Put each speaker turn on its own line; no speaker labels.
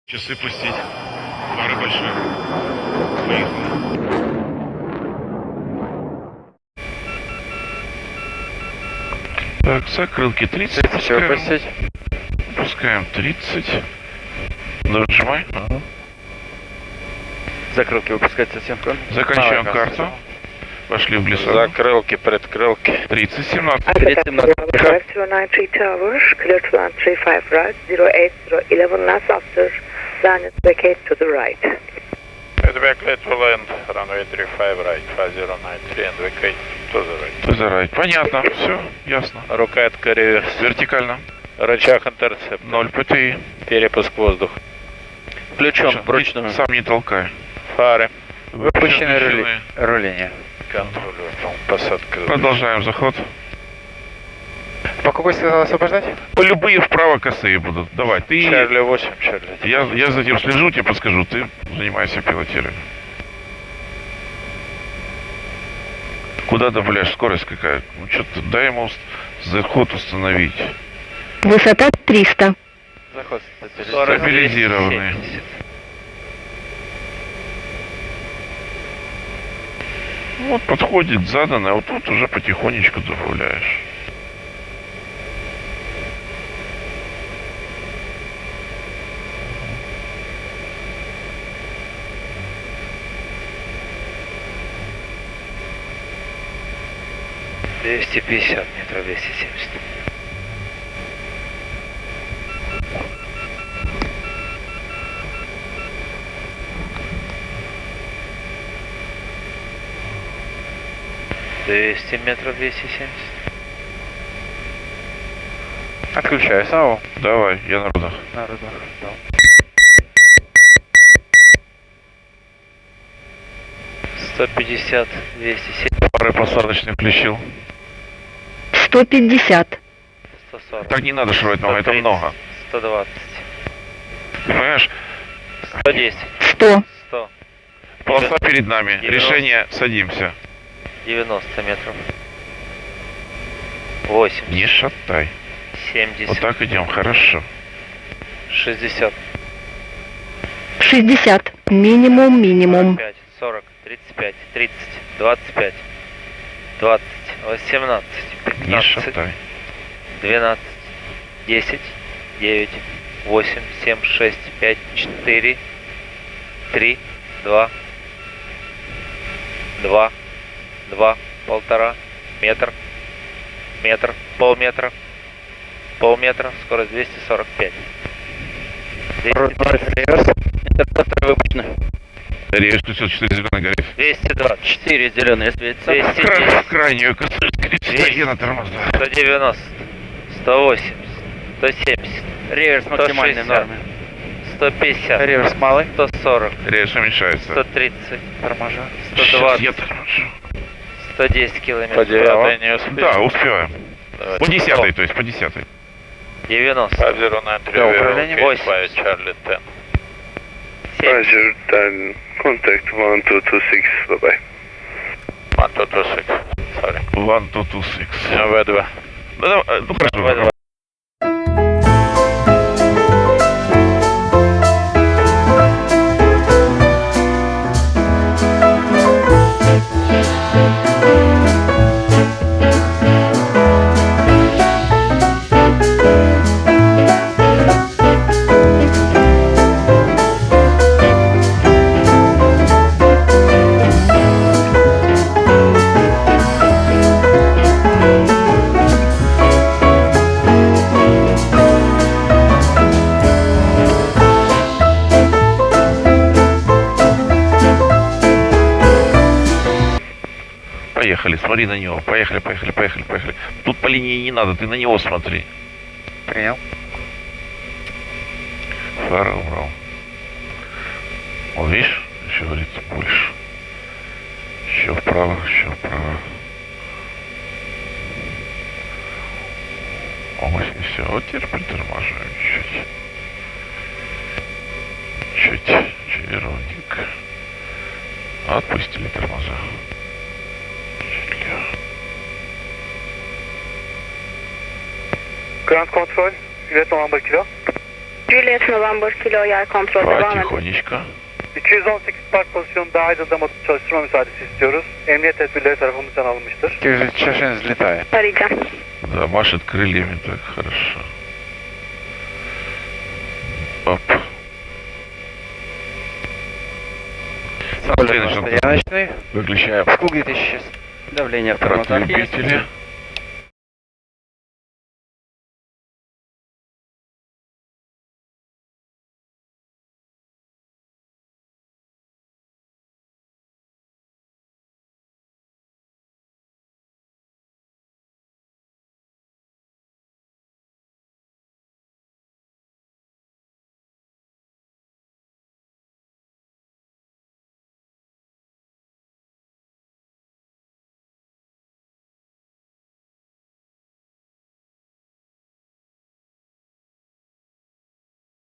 Часы пустить. Пары большие. Поехали. Так, закрылки 30.
Все пустить.
Пускаем 30. Дожимай.
Ага. Закрылки выпускать совсем.
Заканчиваем карту. Пошли в глиссаду.
Закрылки, предкрылки.
30, 17.
30-17.
0993 Towers, clear to land 35 right, 08011 last after, planet vacate to the right.
Feedback clear to land, runway 35 right, 5093 and vacate to the right.
Зарать. Понятно. Все, ясно.
Рукоятка реверс.
Вертикально.
Рычаг интерцепт.
0 ПТИ.
Перепуск воздух.
Включен
Ты
вручную.
сам не толкай.
Фары.
Выпущены руление.
Контроль. Посадка.
Продолжаем заход.
По какой сказал освобождать?
По любые вправо косые будут. Давай, ты...
Чарли 8, Чарли.
Я за этим слежу, тебе подскажу. Ты занимайся пилотированием. Куда добавляешь? Скорость какая? Ну что-то дай ему заход установить.
Высота 300.
Заход
Стабилизированный. Вот подходит заданное, вот тут уже потихонечку добавляешь.
метров 270. 200 метров 270. Отключаю САУ.
Давай, я на рудах.
На рудах. Да. 150, 270,
Пары посадочных включил.
150.
140.
Так не надо шуровать много, это
130,
много.
120,
Ты понимаешь,
110,
100.
100,
полоса перед нами.
90.
Решение, садимся.
90 метров. 80,
Не шатай.
70,
Вот так идем, хорошо.
60,
60. Минимум.
45, 40, 35, 30, 25, 20, 18,
Не
15,
шатай.
12, 10, 9, 8, 7, 6, 5, 4, 3, 2, 2, 2, полтора, метр, метр, полметра, полметра, скорость 245. 200,
Режь, включил 4 зеленый горит.
220, 4 зеленые светятся, 210,
Крайнюю косую скрипит. Я на тормоза.
190, 180, 170,
Реверс максимальной
160,
нормы.
150,
Реверс малый.
140,
Режь уменьшается.
130,
Торможа.
Сейчас
120,
я торможу.
110 километров.
По 9 не успеешь.
Да, успеем.
Давайте.
По 10, то есть по 10.
90,
5093
Да, управление.
Reveal, Gate 5, Charlie 10.
70,
Roger, then contact 1226, bye-bye.
1226, sorry.
1, 2, 2, 6.
В2.
Ну хорошо. Поехали, смотри на него. Поехали. Тут по линии не надо, ты на него смотри.
Принял.
Фара убрал. Вот видишь, еще говорит больше. Еще вправо. Ой, и все. Вот теперь притормаживаем чуть. Чуть ровненько. Отпустили тормоза.
Ground control, Juliette November Kilo.
Juliet November Kilo yer kontrol devam edin.
Потихонечку.
218 park pozisyonunda aydınlama çalıştırma müsaadesi istiyoruz. Emniyet tedbirleri tarafımızdan alınmıştır.
936 взлетает.
Arayacağım.
Да, машет крыльями так хорошо. Оп.
Стояночный.
Выключаем
Скул 2000. Давление в тормозах есть.
разлюбители.